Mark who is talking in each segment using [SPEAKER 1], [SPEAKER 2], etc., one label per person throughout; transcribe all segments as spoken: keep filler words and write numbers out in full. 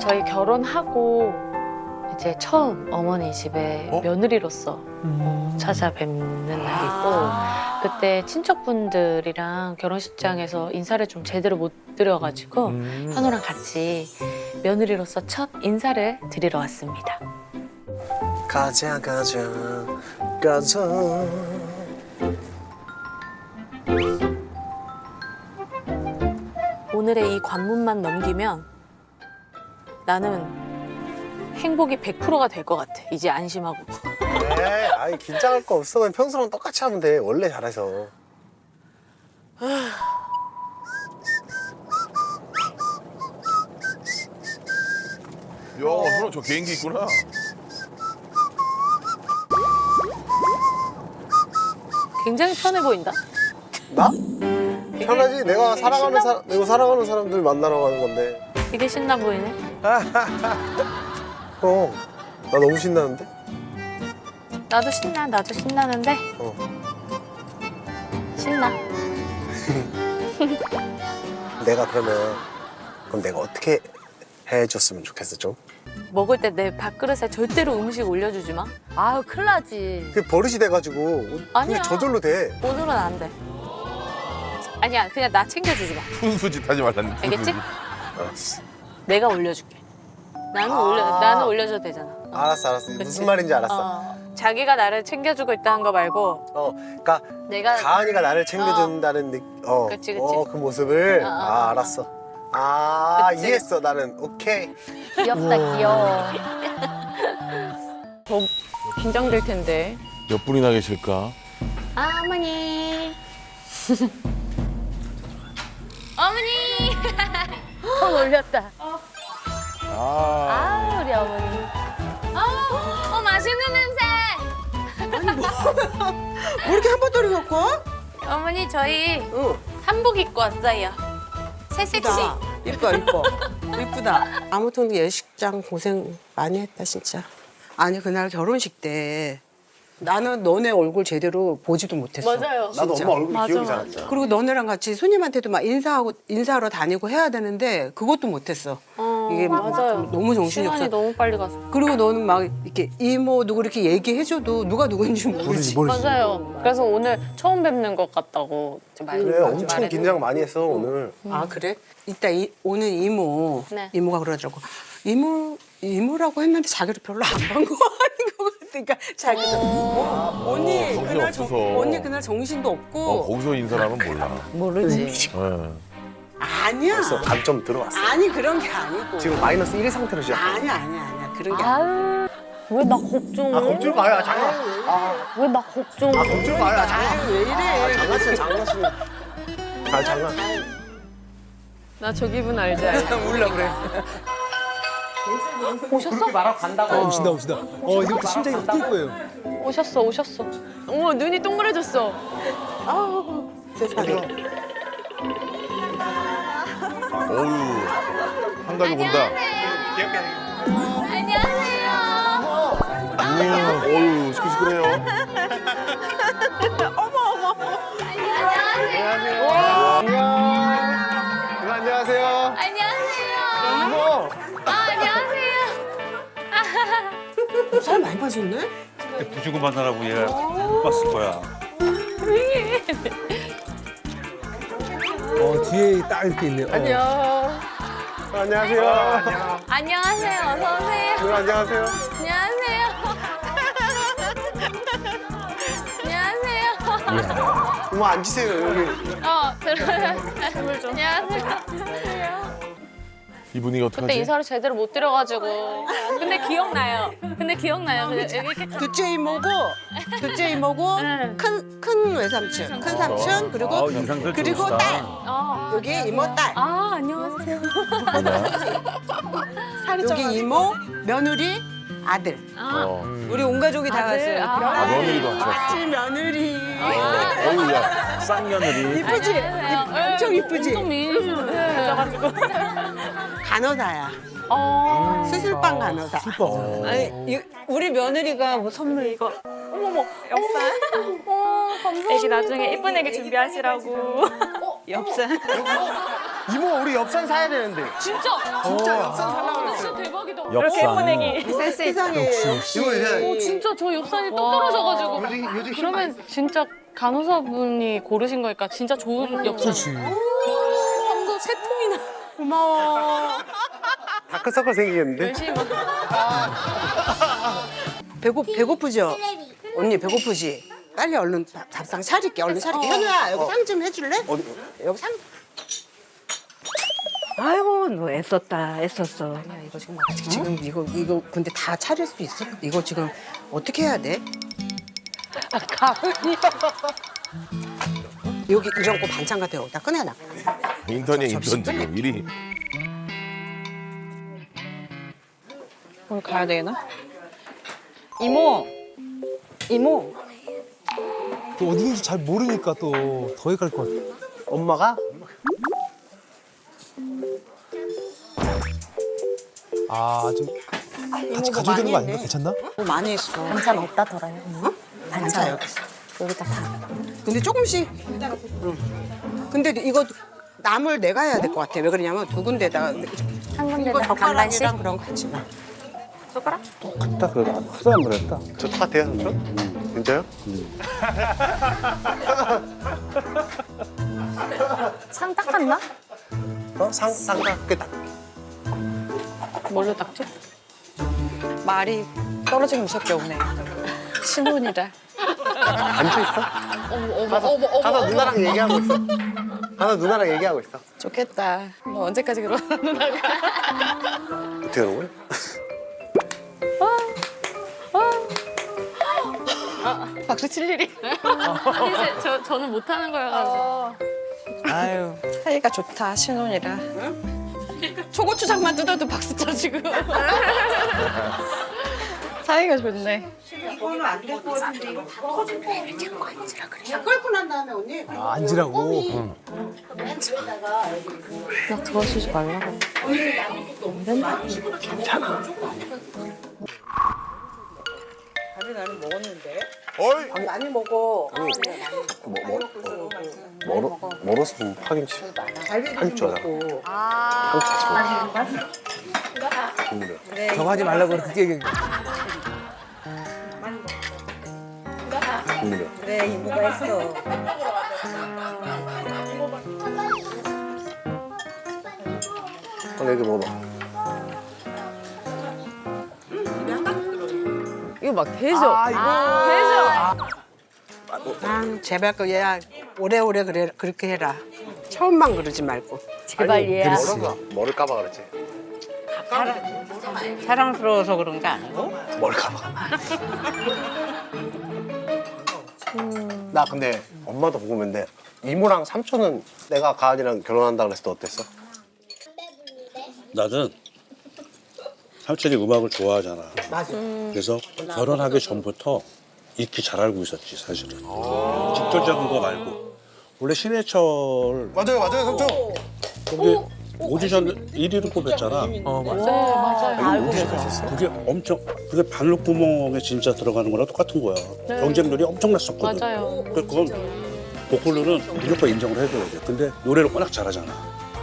[SPEAKER 1] 저희 결혼하고 이제 처음 어머니 집에
[SPEAKER 2] 어?
[SPEAKER 1] 며느리로서 어, 찾아뵙는 날이고 그때 친척분들이랑 결혼식장에서 인사를 좀 제대로 못 드려가지고
[SPEAKER 2] 음.
[SPEAKER 1] 현우랑 같이 며느리로서 첫 인사를 드리러 왔습니다.
[SPEAKER 3] 가자 가자 가자.
[SPEAKER 1] 오늘의 이 관문만 넘기면 나는 행복이 백 퍼센트가 될 것 같아. 이제 안심하고.
[SPEAKER 3] 네, 아니 긴장할 거 없어. 그냥 평소랑 똑같이 하면 돼. 원래 잘해서.
[SPEAKER 2] 야, 누나 저 개인기 있구나.
[SPEAKER 1] 굉장히 편해 보인다.
[SPEAKER 3] 나? 편하지. 내가 사랑하는 사람, 내가 사랑하는 사람들 만나러 가는 건데.
[SPEAKER 1] 되게 신나 보이네.
[SPEAKER 3] 어, 나 너무 신나는데?
[SPEAKER 1] 나도 신나. 나도 신나는데
[SPEAKER 3] 어.
[SPEAKER 1] 신나.
[SPEAKER 3] 내가 그러면 그럼 내가 어떻게 해줬으면 좋겠어 좀?
[SPEAKER 1] 먹을 때 내 밥그릇에 절대로 음식 올려주지 마.
[SPEAKER 4] 아유, 큰일 나지.
[SPEAKER 3] 그게 버릇이 돼가지고
[SPEAKER 1] 아니야.
[SPEAKER 3] 그게 저절로 돼.
[SPEAKER 1] 오늘은 안 돼. 아니야, 그냥 나 챙겨주지 마.
[SPEAKER 2] 훈수짓 하지 말라는.
[SPEAKER 1] 알겠지?
[SPEAKER 3] 알았어.
[SPEAKER 1] 내가 올려줄게. 나는
[SPEAKER 3] 아.
[SPEAKER 1] 올려, 나는 올려줘도 되잖아. 어.
[SPEAKER 3] 알았어, 알았어.
[SPEAKER 1] 그치?
[SPEAKER 3] 무슨 말인지 알았어.
[SPEAKER 1] 어. 자기가 나를 챙겨주고 있다는 거 말고
[SPEAKER 3] 어, 그러니까
[SPEAKER 1] 내가
[SPEAKER 3] 가은이가 나를 챙겨준다는 느, 어,
[SPEAKER 1] 그치, 그치.
[SPEAKER 3] 어, 그 모습을
[SPEAKER 1] 어, 어,
[SPEAKER 3] 아,
[SPEAKER 1] 어.
[SPEAKER 3] 알았어. 아,
[SPEAKER 1] 그치.
[SPEAKER 3] 이해했어. 나는 오케이.
[SPEAKER 4] 귀엽다, 귀여워.
[SPEAKER 5] 더 긴장될 텐데.
[SPEAKER 2] 몇 분이나 계실까?
[SPEAKER 1] 아, 어머니. 어머니.
[SPEAKER 4] 손 올렸다.
[SPEAKER 2] 아,
[SPEAKER 4] 아, 우리 어머니.
[SPEAKER 1] 어, 어 맛있는 냄새.
[SPEAKER 6] 왜 이렇게 한번 떨이 갖고 와?
[SPEAKER 1] 어머니 저희
[SPEAKER 6] 응.
[SPEAKER 1] 한복 입고 왔어요. 새 섹시.
[SPEAKER 6] 이쁘다. 이뻐, 이뻐. 이쁘다. 아무튼 예식장 고생 많이 했다, 진짜. 아니, 그날 결혼식 때 나는 너네 얼굴 제대로 보지도 못했어.
[SPEAKER 1] 맞아요.
[SPEAKER 3] 나도
[SPEAKER 6] 진짜.
[SPEAKER 3] 엄마 얼굴
[SPEAKER 1] 맞아,
[SPEAKER 3] 기억이 잘
[SPEAKER 1] 맞아.
[SPEAKER 3] 안 나.
[SPEAKER 6] 그리고 너네랑 같이 손님한테도 막 인사하고 인사하러 다니고 해야 되는데 그것도 못했어.
[SPEAKER 1] 어,
[SPEAKER 6] 이게
[SPEAKER 1] 맞아요.
[SPEAKER 6] 너무 정신이
[SPEAKER 1] 시간이
[SPEAKER 6] 없어.
[SPEAKER 1] 너무 빨리 갔어.
[SPEAKER 6] 그리고 너는 막 이렇게 이모 누구 이렇게 얘기해줘도 누가 누구인지 모르지.
[SPEAKER 1] 맞아요. 그래서 오늘 처음 뵙는 것 같다고 이제 말,
[SPEAKER 3] 그래, 엄청
[SPEAKER 1] 말해도.
[SPEAKER 3] 긴장 많이 했어 오늘.
[SPEAKER 6] 아 그래? 이따 이, 오는 이모
[SPEAKER 1] 네.
[SPEAKER 6] 이모가 그러더라고. 이모 이모라고 했는데 자기를 별로 안 반가워하는 것 같아. 그러니까 자기가 어, 언니
[SPEAKER 2] 정신
[SPEAKER 6] 그날 정,
[SPEAKER 2] 없어서.
[SPEAKER 6] 언니 그날 정신도 없고
[SPEAKER 2] 어, 거기서 인사하면 몰라.
[SPEAKER 4] 모르지.
[SPEAKER 2] 예.
[SPEAKER 6] 아니야.
[SPEAKER 3] 벌써 감점 들어왔어.
[SPEAKER 6] 아니 그런 게 아니고.
[SPEAKER 3] 지금 마이너스 일 상태로 시작.
[SPEAKER 6] 아니야 아니야 아니야 그런 게 아니야.
[SPEAKER 4] 아유, 왜 나 걱정?
[SPEAKER 3] 아, 겁줄 마야, 장난. 아,
[SPEAKER 4] 왜 나 걱정?
[SPEAKER 3] 아, 겁줄 마야, 장난.
[SPEAKER 6] 아유, 왜 이래?
[SPEAKER 3] 아, 장난치네, 장난치네. 아, 장난.
[SPEAKER 5] 나 저 기분 알지 알지.
[SPEAKER 6] 울라 그래.
[SPEAKER 1] 오셨어?
[SPEAKER 7] 어, 오신다 오신다. 어 이제부터 심장이 뛸 거예요.
[SPEAKER 1] 오셨어, 오셨어.
[SPEAKER 5] 어머 눈이 동그래졌어.
[SPEAKER 6] 아우 세상에.
[SPEAKER 2] 어유 한 가지 본다.
[SPEAKER 1] 안녕하세요.
[SPEAKER 2] 음, 어유 시끌시끌해요.
[SPEAKER 3] 안녕. 안녕하세요.
[SPEAKER 1] 안녕하세요.
[SPEAKER 3] 이모.
[SPEAKER 1] 아, 안녕하세요.
[SPEAKER 6] 살 많이 빠졌네?
[SPEAKER 8] 부주고 만나라고 얘가 봤을 거야.
[SPEAKER 7] 어 뒤에 딱 이렇게 있네요. 어.
[SPEAKER 3] 안녕. 안녕하세요.
[SPEAKER 1] 안녕하세요. 어서 오세요.
[SPEAKER 3] 누나 안녕하세요.
[SPEAKER 1] 안녕하세요. 안녕하세요.
[SPEAKER 3] 어머 앉으세요 여기.
[SPEAKER 1] 어, 들어요. 물 좀. 안녕하세요.
[SPEAKER 2] 이 분위기
[SPEAKER 1] 그때
[SPEAKER 2] 어떡하지?
[SPEAKER 1] 인사를 제대로 못 드려가지고. 근데 기억나요. 근데 기억나요. 근데 이렇게
[SPEAKER 6] 둘째 이모고, 둘째 이모고,
[SPEAKER 1] 네.
[SPEAKER 6] 큰, 큰 외삼촌, 큰 삼촌, 그리고,
[SPEAKER 8] 아, 인상들
[SPEAKER 6] 그리고
[SPEAKER 8] 좋으시다.
[SPEAKER 6] 딸.
[SPEAKER 1] 어.
[SPEAKER 6] 여기 이모 딸.
[SPEAKER 1] 아, 안녕하세요.
[SPEAKER 6] 여기 이모, 며느리, 아들.
[SPEAKER 2] 어.
[SPEAKER 6] 우리 온 가족이 다
[SPEAKER 1] 아들,
[SPEAKER 6] 왔어요.
[SPEAKER 1] 아.
[SPEAKER 2] 아, 며느리도 같이 왔어.
[SPEAKER 6] 같이 며느리.
[SPEAKER 2] 어유 야.
[SPEAKER 8] 쌍며느리.
[SPEAKER 6] 이쁘지?
[SPEAKER 1] 안녕하세요.
[SPEAKER 6] 엄청 이쁘지?
[SPEAKER 1] 엄청 미인이시네.
[SPEAKER 6] 간호사야.
[SPEAKER 1] 어.
[SPEAKER 6] 수술방 간호사.
[SPEAKER 2] 어.
[SPEAKER 6] 아니, 이, 우리 며느리가 뭐 선물 이거.
[SPEAKER 1] 어머머. 엽산. 어, 감사합니다.
[SPEAKER 5] 애기 나중에 예쁜 애기 준비하시라고.
[SPEAKER 6] 엽산.
[SPEAKER 3] 이모 우리 엽산 사야 되는데.
[SPEAKER 1] 진짜.
[SPEAKER 3] 진짜 엽산 살라고 그랬어요.
[SPEAKER 5] 이렇게 예쁜 애기.
[SPEAKER 6] 세상에
[SPEAKER 3] 이거 이제
[SPEAKER 1] 오 진짜 저 엽산이 뚝 떨어져가지고. 그러면 진짜 간호사분이 고르신 거니까 진짜 좋은 엽산.
[SPEAKER 7] 그렇지.
[SPEAKER 1] 한도 세 통이나.
[SPEAKER 6] 고마워.
[SPEAKER 3] 다크서클 생기겠는데?
[SPEAKER 1] 열심히 막.
[SPEAKER 6] 배고 배고프죠? 언니 배고프지? 빨리 얼른 밥- 밥상 차릴게. 얼른 차릴게. 현우야 여기 상 좀 해줄래?
[SPEAKER 3] 어디?
[SPEAKER 6] 여기 상.
[SPEAKER 4] 아이고 너 애썼다 애썼어.
[SPEAKER 6] 야 이거 지금 아직 지금 이거 이거 근데 다 차릴 수 있어? 이거 지금 어떻게 해야 돼?
[SPEAKER 4] 가은이.
[SPEAKER 6] 여기 이런 거 반찬 같은 거 여기다 꺼내놔.
[SPEAKER 2] 인턴이야 인턴 지금 일이.
[SPEAKER 5] 오늘 가야 되나? 이모. 이모.
[SPEAKER 7] 또 어디든지 잘 모르니까 또 더 헷갈릴 것 같아.
[SPEAKER 3] 엄마가?
[SPEAKER 7] 아, 좀 같이 가져야 되는 거 아닌가? 괜찮나?
[SPEAKER 6] 뭐 많이 했어.
[SPEAKER 4] 반찬 없다 덜어요. 응?
[SPEAKER 6] 반찬 여기.
[SPEAKER 4] 여기다 다.
[SPEAKER 6] 근데 조금씩. 응. 근데 이거 남을 내가 해야 될 것 같아. 왜 그러냐면 두 군데다가
[SPEAKER 4] 한
[SPEAKER 6] 이거
[SPEAKER 4] 군데다 반반씩.
[SPEAKER 6] 젓가락이랑 그런 거 같이 놔.
[SPEAKER 8] 딱 그래. 크다 안 그랬다.
[SPEAKER 3] 저 똑같아요, 삼촌? 진짜요?
[SPEAKER 4] 상 닦았나?
[SPEAKER 3] 어? 상, 쌍각게 딱.
[SPEAKER 1] 뭘로 닦지?
[SPEAKER 5] 말이 떨어지기 무섭게 오네. 신혼이라.
[SPEAKER 3] 앉혀있어?
[SPEAKER 1] 어머 어머 어머 어머.
[SPEAKER 3] 가서 누나랑 얘기하고 있어. 가서 누나랑 얘기하고 있어.
[SPEAKER 5] 좋겠다. 너 언제까지 그러나 누나가.
[SPEAKER 3] 어떻게 하는 거야?
[SPEAKER 5] 박수 칠 일이.
[SPEAKER 1] 아니 제- 저 저는 못하는 거여가지고.
[SPEAKER 5] 아유. 사이가 좋다 신혼이라. 초고추장만 뜯어도 박수 쳐 지금. 사이가 좋네.
[SPEAKER 6] 이거는 안 될 것 같은데 이거 다 터진 배를 잡고 앉으라 그래. 다 끓고 난 다음에 언니.
[SPEAKER 7] 아, 앉으라고. 응.
[SPEAKER 1] 막 들어주지 말라고.
[SPEAKER 6] 밥이 나는 먹었는데.
[SPEAKER 2] 어이.
[SPEAKER 6] 밥 많이 먹어.
[SPEAKER 3] 뭐, 뭐, 어, 멀어, 멀어서 좀 파김치.
[SPEAKER 6] 갈비도 좀 먹고.
[SPEAKER 7] 저거 하지 말라고 그렇게 얘기.
[SPEAKER 6] 그래 이모가 했어.
[SPEAKER 3] 한 애기 먹어봐.
[SPEAKER 5] 이거 막 대죠. 아,
[SPEAKER 6] 아 제발 그 얘야 오래오래 그래 그렇게 해라. 처음만 그러지 말고.
[SPEAKER 4] 제발 얘야.
[SPEAKER 3] 멀어서 뭐를 까봐 그랬지?
[SPEAKER 4] 사랑스러워서 그런 게 아니고.
[SPEAKER 3] 뭘 까봐. 나 근데 엄마도 궁금한데 이모랑 삼촌은 내가 가은이랑 결혼한다 그랬을 때 어땠어?
[SPEAKER 8] 나는 삼촌이 음악을 좋아하잖아.
[SPEAKER 6] 맞아.
[SPEAKER 8] 그래서 결혼하기 전부터 익히 잘 알고 있었지 사실은. 직접적인 거 말고. 원래 신해철
[SPEAKER 3] 맞아요, 맞아요, 삼촌.
[SPEAKER 8] 거기 오디션 일 위로 뽑혔잖아.
[SPEAKER 7] 어, 맞아.
[SPEAKER 1] 네 맞아요.
[SPEAKER 8] 그게 엄청 그게 발록구멍에 진짜 들어가는 거랑 똑같은 거야. 경쟁률이 엄청났었거든.
[SPEAKER 1] 맞아요.
[SPEAKER 8] 그- 그건 보컬로는 무조건 인정을 해줘야 돼. 근데 노래를 워낙 잘하잖아.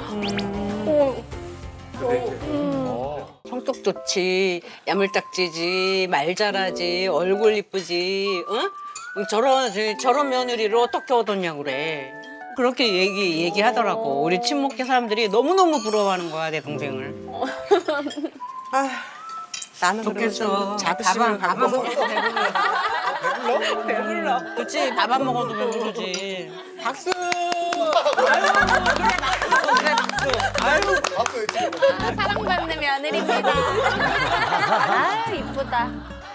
[SPEAKER 4] 성격 좋지, 야물딱지지, 말 잘하지, 얼굴 이쁘지, 어? 저런 저런 며느리를 어떻게 얻었냐고 그래. 그렇게 얘기 얘기하더라고. 우리 친목계 사람들이 너무 너무 부러워하는 거야 내 동생을.
[SPEAKER 6] 아 나는
[SPEAKER 4] 좋겠어.
[SPEAKER 6] 자부심을
[SPEAKER 4] 밥 안
[SPEAKER 6] 갖고.
[SPEAKER 4] 먹어도 배불러. 배불러. 그렇지 밥 안 먹어도 배부르지.
[SPEAKER 6] 박수.
[SPEAKER 1] 사랑받는 며느리입니다.
[SPEAKER 4] 아 이쁘다.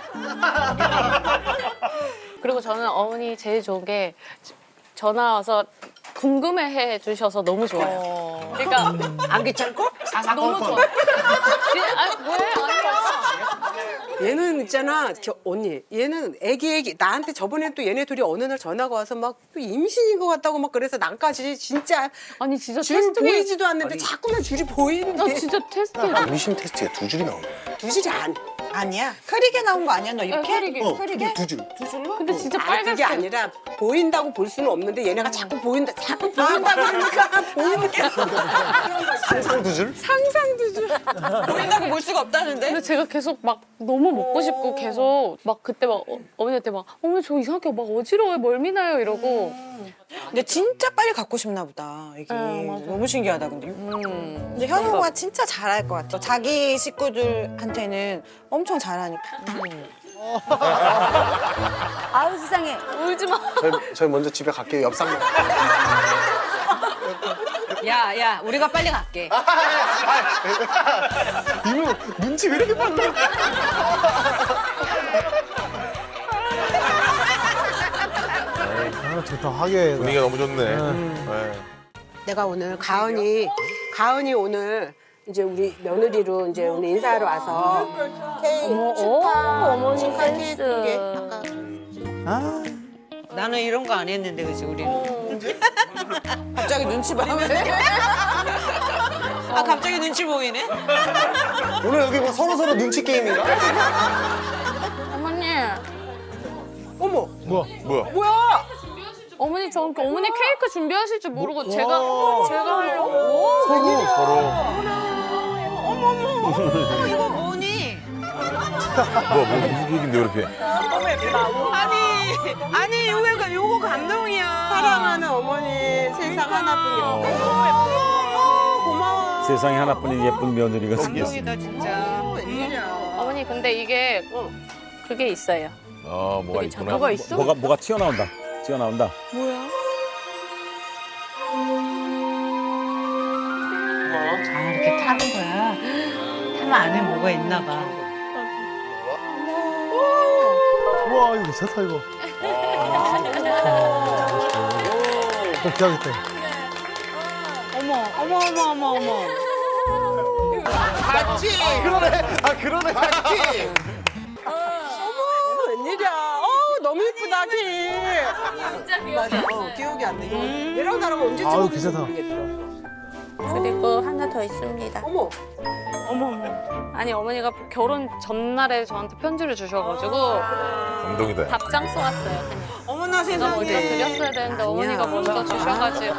[SPEAKER 1] 그리고 저는 어머니 제일 좋은 게 전화 와서 궁금해해 주셔서 너무 좋아요. 그러니까
[SPEAKER 4] 안 귀찮고?
[SPEAKER 1] 너무 좋아. 진짜, 아, 왜? 아니야.
[SPEAKER 6] 얘는 있잖아 저, 언니 얘는 애기 애기 나한테 저번에 또 얘네 둘이 어느 날 전화가 와서 막 또 임신인 것 같다고 막 그래서 난까지 진짜
[SPEAKER 1] 아니 진짜
[SPEAKER 6] 줄
[SPEAKER 1] 테스트
[SPEAKER 6] 보이지도 않는데 자꾸만 줄이 보이는데
[SPEAKER 1] 나 진짜 테스트해.
[SPEAKER 3] 임신 테스트가 두 줄이 나오네.
[SPEAKER 6] 두 줄이 안
[SPEAKER 5] 아니야. 흐리게 나온 거 아니야? 너 이렇게?
[SPEAKER 1] 흐리게.
[SPEAKER 3] 어, 두 줄.
[SPEAKER 1] 근데 진짜
[SPEAKER 6] 아, 그게
[SPEAKER 1] 빨갛게.
[SPEAKER 6] 아니라 보인다고 볼 수는 없는데 얘네가 자꾸 보인다 자꾸 보인다 그러니까 보이는 게
[SPEAKER 3] 상상 두 줄?
[SPEAKER 5] 보인다고 볼 수가 없다는데?
[SPEAKER 1] 근데 제가 계속 막 너무 먹고 싶고 계속 막 그때 막 어, 어머니한테 막 어머니 저 이상하게 막 어지러워요 멀미나요 이러고
[SPEAKER 5] 근데 진짜 빨리 갖고 싶나 보다. 이게
[SPEAKER 1] 네, 맞아.
[SPEAKER 5] 너무 신기하다 근데.
[SPEAKER 1] 음.
[SPEAKER 5] 근데 현우가 진짜 잘할 것 같아. 자기 식구들한테는 엄청 잘하니까.
[SPEAKER 9] 아우 세상에.
[SPEAKER 1] 울지 마.
[SPEAKER 3] 저희, 저희 먼저 집에 갈게요. 옆 상가.
[SPEAKER 4] 야, 야, 우리가 빨리 갈게.
[SPEAKER 3] 이모 눈치 왜 이렇게 빨라?
[SPEAKER 7] 아, 좋다 하게.
[SPEAKER 2] 분위기가 너무 좋네. 네.
[SPEAKER 6] 내가 오늘 가은이 가은이 오늘 이제 우리 며느리로 이제 오늘 인사하러 와서 케이크 축하
[SPEAKER 1] 어머니
[SPEAKER 6] 축하 케이크
[SPEAKER 1] 센스.
[SPEAKER 6] 이게 아까
[SPEAKER 7] 아,
[SPEAKER 4] 나는 이런 거 안 했는데, 그치, 우리는.
[SPEAKER 5] 갑자기 눈치 봐. 아 갑자기 눈치 보이네.
[SPEAKER 3] 오늘 여기 뭐 서로 서로 눈치 게임인가?
[SPEAKER 1] 어머니.
[SPEAKER 6] 어머
[SPEAKER 7] 뭐야?
[SPEAKER 2] 뭐야?
[SPEAKER 1] 어머니 저 어머니 케이크 준비하실 줄 모르고 제가
[SPEAKER 7] 와.
[SPEAKER 1] 제가 하려고.
[SPEAKER 7] 서로.
[SPEAKER 2] 서로.
[SPEAKER 4] 이거 뭐니?
[SPEAKER 2] 뭐, 뭐, 무슨 얘긴데, 이렇게.
[SPEAKER 5] 아니 아니 요거 요거 감동이야.
[SPEAKER 6] 사랑하는 어머니 세상 하나뿐이야. 고마워.
[SPEAKER 10] 세상에 하나뿐인 예쁜 며느리가 생겼어.
[SPEAKER 4] 감동이다, 진짜.
[SPEAKER 1] 어머니 근데 이게 그게 있어요.
[SPEAKER 2] 아, 뭐가
[SPEAKER 1] 여기
[SPEAKER 2] 있구나.
[SPEAKER 1] 뭐가 있어?
[SPEAKER 10] 뭐가 뭐가 튀어나온다. 튀어나온다.
[SPEAKER 1] 뭐야?
[SPEAKER 4] 아, 이렇게 타는 거야. 타면 안에 뭐가 있나 봐.
[SPEAKER 7] 우와 이거 괜찮다 이거. 꼭 해야겠다.
[SPEAKER 4] 어머, 어머, 어머, 어머, 어머.
[SPEAKER 3] 같이. 그러네. 아 그러네. 같이.
[SPEAKER 6] 웬일이야? 어 너무 예쁘다 키.
[SPEAKER 1] 진짜
[SPEAKER 6] 맞아. 어, 기억이 안 나. 이거 얘랑 나랑 언제
[SPEAKER 7] 아유,
[SPEAKER 6] 찍었는지
[SPEAKER 7] 괜찮다.
[SPEAKER 6] 모르겠어.
[SPEAKER 1] 그리고 하나 더 있습니다.
[SPEAKER 6] 어머.
[SPEAKER 1] 아니 어머니가 결혼 전날에 저한테 편지를 주셔가지고
[SPEAKER 2] 감동이다.
[SPEAKER 1] 답장 써왔어요. 그냥.
[SPEAKER 5] 어머나
[SPEAKER 1] 제가 먼저
[SPEAKER 5] 세상에.
[SPEAKER 1] 드렸어야 되는데 어머니가 먼저 주셔가지고.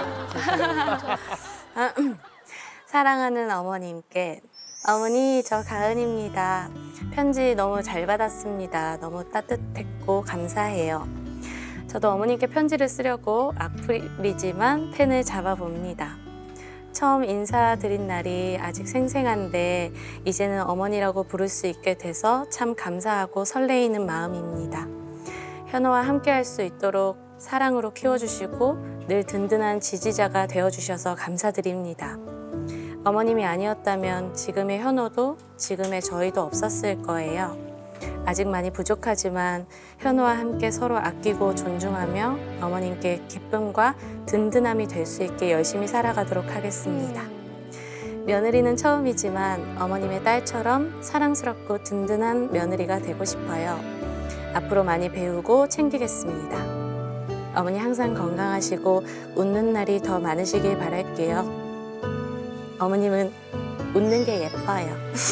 [SPEAKER 9] 사랑하는 어머님께 어머니 저 가은입니다. 편지 너무 잘 받았습니다. 너무 따뜻했고 감사해요. 저도 어머님께 편지를 쓰려고 악플이지만 펜을 잡아봅니다. 처음 인사드린 날이 아직 생생한데 이제는 어머니라고 부를 수 있게 돼서 참 감사하고 설레이는 마음입니다. 현우와 함께 할 수 있도록 사랑으로 키워주시고 늘 든든한 지지자가 되어주셔서 감사드립니다. 어머님이 아니었다면 지금의 현우도 지금의 저희도 없었을 거예요. 아직 많이 부족하지만 현우와 함께 서로 아끼고 존중하며 어머님께 기쁨과 든든함이 될 수 있게 열심히 살아가도록 하겠습니다. 며느리는 처음이지만 어머님의 딸처럼 사랑스럽고 든든한 며느리가 되고 싶어요. 앞으로 많이 배우고 챙기겠습니다. 어머니 항상 건강하시고 웃는 날이 더 많으시길 바랄게요. 어머님은 웃는 게 예뻐요.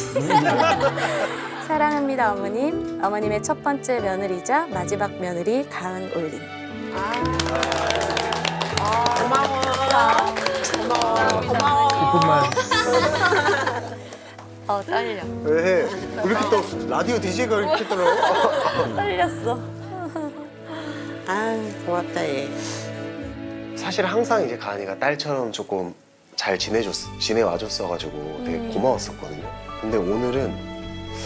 [SPEAKER 9] 사랑합니다, 어머님. 어머님의 첫 번째 며느리자 마지막 며느리 가은 올림.
[SPEAKER 6] 고마워. 고마워. 고마워.
[SPEAKER 7] 이쁜 말.
[SPEAKER 1] 어 떨려.
[SPEAKER 3] 왜? 왜 이렇게 또 라디오 디제이가 이렇게 떨어?
[SPEAKER 1] 떨렸어.
[SPEAKER 6] 아 고맙다 얘.
[SPEAKER 3] 사실 항상 이제 가은이가 딸처럼 조금 잘 지내줬, 지내와줬어가지고 되게 고마웠었거든요. 근데 오늘은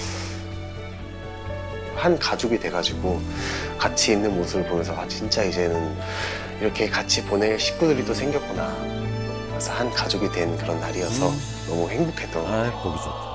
[SPEAKER 3] 한 가족이 돼가지고 같이 있는 모습을 보면서 아 진짜 이제는 이렇게 같이 보낼 식구들이 또 생겼구나. 그래서 한 가족이 된 그런 날이어서 너무 행복했던 것 같아요.
[SPEAKER 10] 아, 보기 좋다.